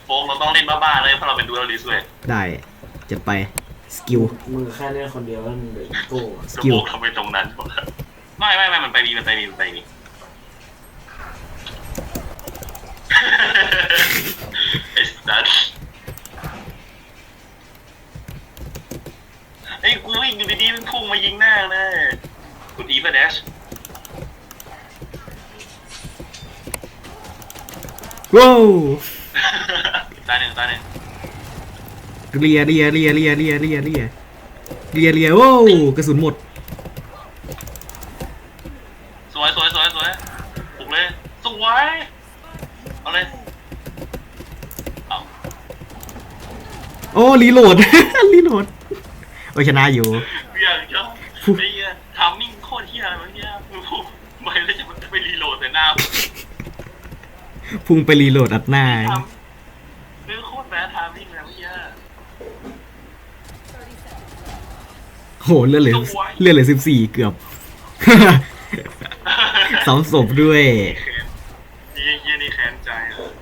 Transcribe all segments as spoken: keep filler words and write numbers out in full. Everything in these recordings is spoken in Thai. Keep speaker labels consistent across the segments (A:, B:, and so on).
A: โฟกเราต้องเล่นบ้าๆเลยเพราะเราเป็นดูเอลิสเว้ย
B: ได้จัดไปสกิล
C: มือแค่เล่นคนเดียวแล้วมันเดือดโก้
B: สกิล
A: ทำไมตรงนั้นไม่ไม่ไม่มันไปมีมันไปมีมันไปมีไอ้สัสไอ้กูวิ่งอยู่ดีๆมันพุ่งมายิงหน้าเลยกูดีป่ะเดช
B: ว้าว
A: ตาหนึ่งตาหนึ่ง
B: เลียเลียเลียเลียเลียเลียเลียเลียเลียโอ้กระสุนหมด
A: สวยสวยสวยสวยปลุกเลยสวยเอาเลยเอา
B: โอ้รีโหลด รีโหลดโอ้ชนะอยู่
A: อยากจะไอ้เงี้ยทามมิ่งโคตรเฮี้ยอะไรเงี้ยไปแล้วจะมันจะไปรีโหลดแต่หน้า
B: พุ่งไปรีโหลดอัดหน้า
A: เรื่องโคตรแบดทามมิ่งแล้วเฮี้ย
B: โหเลือดเหลือเลือดเหลือสิบสี่เกือบสองศพด้วย
A: นี่เฮี้ยนี่แค้นใจอ่ะ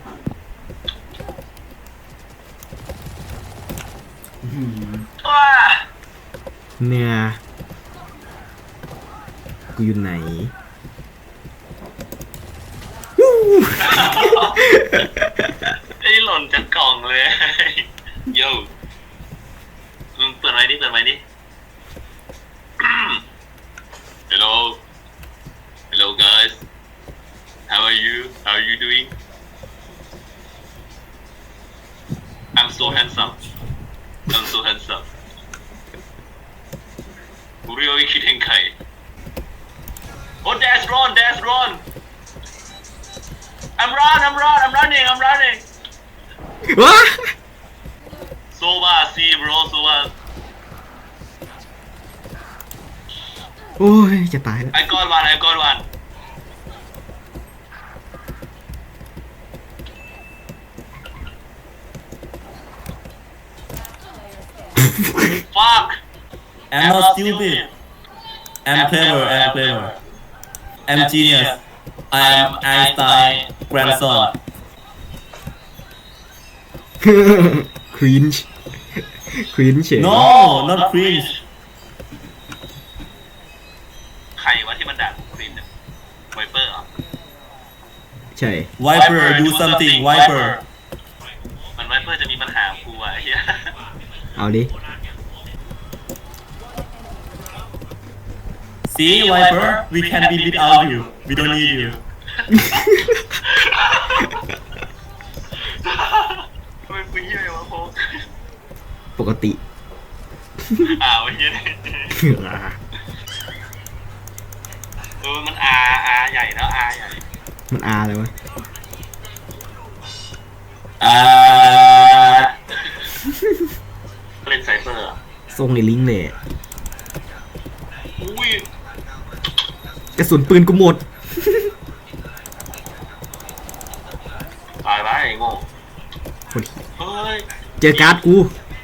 B: เนี่ยกูอยู่ไหน
A: ไอ้หล่นจากกล่องเลยโย่มึงเปิดไว้ดิเปิดไว้ดิ Hello Hello guys How are you How are you doing I'm so handsome I'm so handsome กูเรียกว่าคิดเห็นใครโอ้ dash run dash run I'm run I'm run I'm running I'm running
B: ว้า
A: so bad see bro so bad
B: โอ้ยจะตายแล้ว
A: I got one I got one fuck
D: I'm not stupid I'm clever I'm clever I'm genius I'm Einstein grandson
B: ครีนช์ครีนช์เฉย
D: No not cringe
A: ใครวะที่มันด่ากูครีนเนี่ยไวเปอร์เหรอ
B: ใช่
D: Viper do something Viper
A: มันไวเปอร์จะมีปัญหากูอ่ะเฮีย
B: เอาดิ
D: See Viper we can be without you we don't need you
A: ทำไมกูเฮียวะโฟก
B: ปกติ
A: อ้าวเฮียเออมันอาอาใหญ่แล้วอาใหญ่
B: มันอาอะไรวะ
D: อ่า
A: เล่นไซเฟอร์
B: ส่งในลิงก์เลย
A: อุ้ย
B: กระสุนปืนกูหมด
A: ตายไปไอ้โง่เฮ้ย
B: เจอการ์ดกู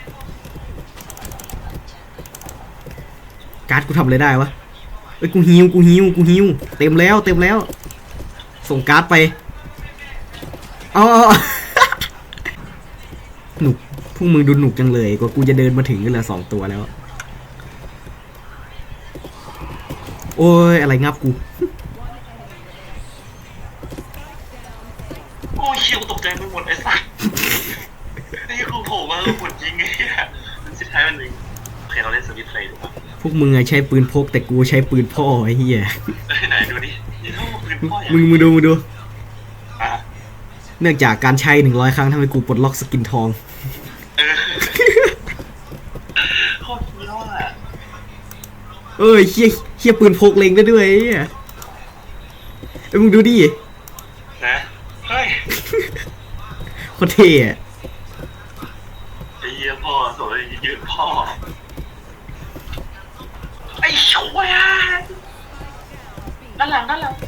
B: การ์ดกูทำอะไรได้วะเอ้ยกูฮิวกูฮิวกูฮิวเต็มแล้วเต็มแล้ว ส่งการ์ดไปอ๋อ หนุกพวกมึงดูหนุกจังเลยกว่ากูจะเดินมาถึงก็เหลือสองตัวแล้วโอ้ยอะไรงับกู
A: โอ้ยเชี่ยกูตกใจไปหมดไอ้สัสไอ้กูโผล่มาแล้วหมดยิงไอ้เหี้ยมันสุดท้ายมันหนึ่งโอเคเราเล่นสวิตเพลย์ถูกปะ
B: พวกมึงไงใช้ปืนพกแต่กูใช้ปืนพ่อไอ้เหี้ย
A: ไหนดูดินี่เขาปืนพ่ออย่าง
B: มึงมึงดูมึงดูเนื่องจากการใช้หนึ่งร้อยครั้งทำให้กูปลดล็อกสกินทอง
A: เออโคตรเยอะอ่ะ
B: เอ้ยเฮี้ยเฮี้ยปืนพกเล็งได้ด้วยไอ้เหี้ยเอ้ยมึงดูดิ
A: นะเฮ้ย
B: โคตรเท่อะ
A: ไอ้เหี้ยพ่อสวยยืนพ่อไอ้ช่วยอ่ะด้านหลังด้านหลัง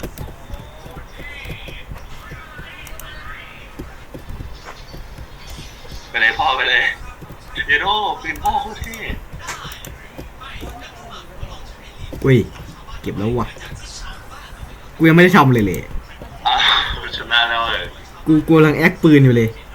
A: ไปเลยพ่อไปเลยเยโร่ปืนพ่อโคตรเท่
B: อุ้ยเก็บแล้ววะกูยังไม่ได้ทำเลยเลย
A: อ่ะชนะแล้วเลย
B: กูกูกำลังแอคปืนอยู่เลย